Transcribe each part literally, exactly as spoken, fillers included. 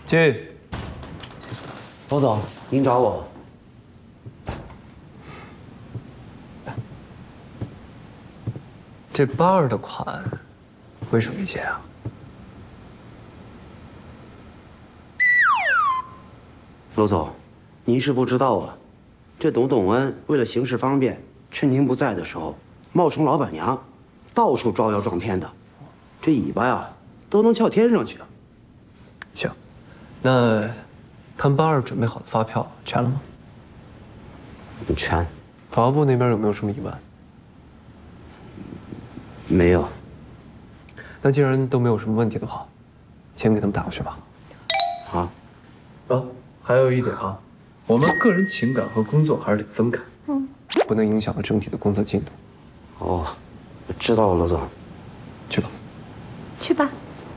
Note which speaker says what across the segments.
Speaker 1: 进。
Speaker 2: 罗总，您找我。
Speaker 1: 这八二的款为什么没结啊？
Speaker 2: 罗总，您是不知道啊，这董董恩为了行事方便，趁您不在的时候，冒充老板娘，到处招摇撞骗的，这尾巴呀都能翘天上去啊。
Speaker 1: 行，那他们八二准备好的发票全了吗？
Speaker 2: 全。
Speaker 1: 法务部那边有没有什么疑问？
Speaker 2: 没有。
Speaker 1: 那既然都没有什么问题的话，钱给他们打过去吧。
Speaker 2: 好。
Speaker 1: 啊，还有一点啊，我们个人情感和工作还是得分开，嗯，不能影响了整体的工作进度。
Speaker 2: 哦，知道了，罗总。
Speaker 1: 去吧。
Speaker 3: 去吧。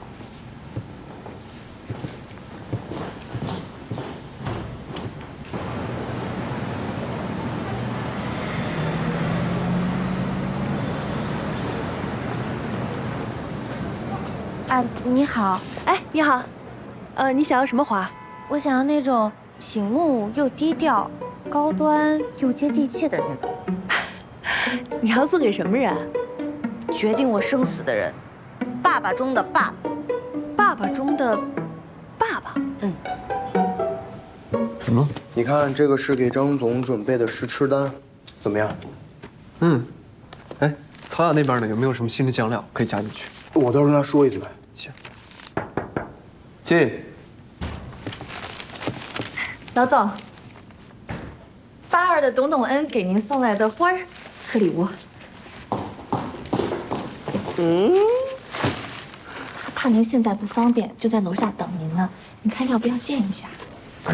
Speaker 4: 啊，你好，
Speaker 3: 哎，你好，呃，你想要什么花？
Speaker 4: 我想要那种醒目又低调、高端又接地气的那种。
Speaker 3: 你要送给什么人？
Speaker 4: 决定我生死的人，爸爸中的爸爸，
Speaker 3: 爸爸中的爸爸。
Speaker 4: 嗯。
Speaker 1: 怎么了？
Speaker 5: 你看，这个是给张总准备的试吃单，怎么样？
Speaker 1: 嗯。哎，曹雅那边呢？有没有什么新的酱料可以加进去？
Speaker 5: 我到时候跟他说一句。
Speaker 1: 行。进。
Speaker 3: 老总，八二的董董恩给您送来的花儿和礼物。嗯，他怕您现在不方便，就在楼下等您呢。你看要不要见一下？
Speaker 5: 来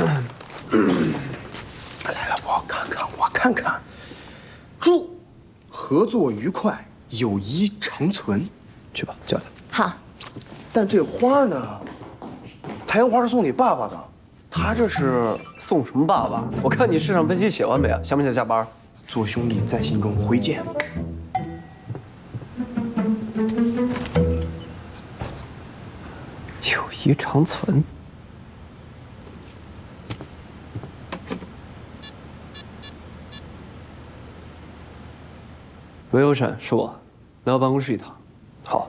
Speaker 5: 来，我看看，我看看。祝合作愉快，友谊长存。
Speaker 1: 去吧，叫他。
Speaker 3: 好。
Speaker 5: 但这花呢？太阳花是送给爸爸的，他这是
Speaker 1: 送什么爸爸？我看你市场分析写完没啊？想不想加班？
Speaker 5: 做兄弟在心中，回见。
Speaker 1: 友谊长存。喂，欧闪，是我，来我办公室一趟。好。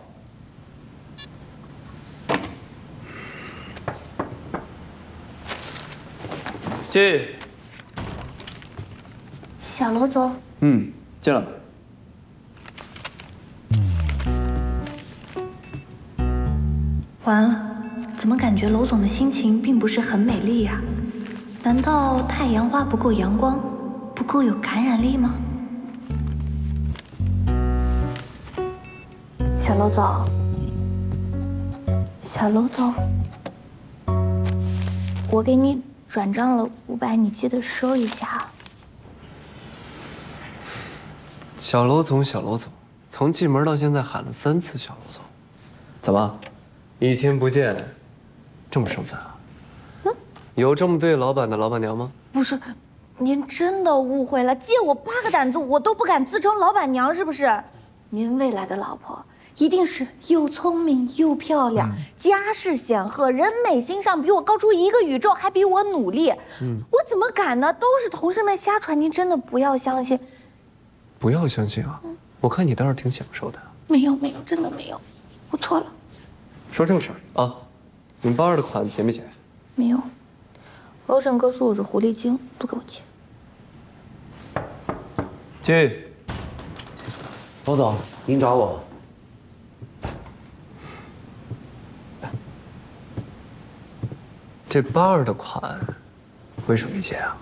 Speaker 1: 进。
Speaker 4: 小罗总。
Speaker 1: 嗯，进来。
Speaker 4: 完了，怎么感觉娄总的心情并不是很美丽呀？难道太阳花不够阳光，不够有感染力吗？小娄总，小娄总，我给你转账了五百，你记得收一下。
Speaker 1: 小娄总，小娄总，从进门到现在喊了三次小娄总，怎么，一天不见，这么生分啊？嗯，有这么对老板的老板娘吗？
Speaker 4: 不是，您真的误会了，借我八个胆子，我都不敢自称老板娘，是不是？您未来的老婆一定是又聪明又漂亮，嗯、家世显赫，人美心上比我高出一个宇宙，还比我努力。嗯，我怎么敢呢？都是同事们瞎传，您真的不要相信。
Speaker 1: 不要相信啊！嗯、我看你倒是挺享受的。
Speaker 4: 没有没有，真的没有，我错了。
Speaker 1: 说正事儿啊，你们八二的款结没结？
Speaker 4: 没有，欧胜哥说我是狐狸精，不给我结。
Speaker 1: 进。
Speaker 2: 罗总，您找我。
Speaker 1: 这八二的款为什么没结啊？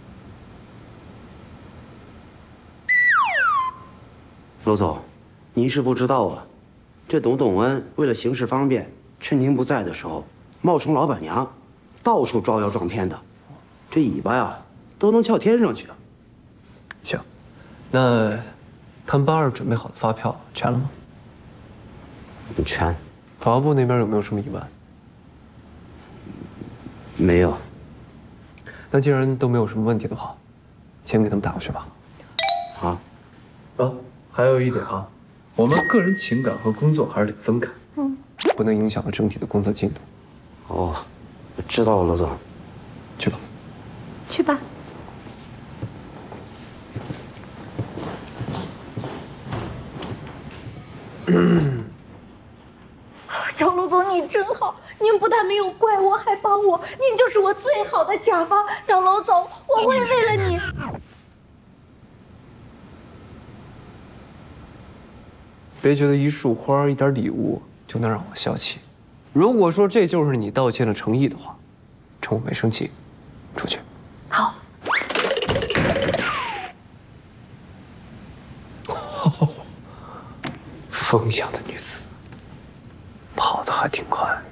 Speaker 2: 罗总，您是不知道啊，这董董恩为了行事方便，趁您不在的时候，冒充老板娘，到处招摇撞骗的，这尾巴呀都能翘天上去啊。
Speaker 1: 行，那他们八二准备好的发票全了吗？
Speaker 2: 全。
Speaker 1: 法务部那边有没有什么疑问？
Speaker 2: 没有。
Speaker 1: 那既然都没有什么问题的话，钱给他们打过去吧。
Speaker 2: 好。
Speaker 1: 啊，还有一点啊，我们个人情感和工作还是得分开，嗯，不能影响了整体的工作进度。
Speaker 2: 哦，知。 知道了，罗总。
Speaker 1: 去吧。
Speaker 3: 去吧。
Speaker 4: 小卢总，你真好，您不但没有怪我，还帮我，您就是我最好的甲方。小卢总，我会为了你。
Speaker 1: 别觉得一束花、一点礼物就能让我消气。如果说这就是你道歉的诚意的话，趁我没生气，出去。
Speaker 4: 好。
Speaker 1: 风一样的女子，跑得还挺快。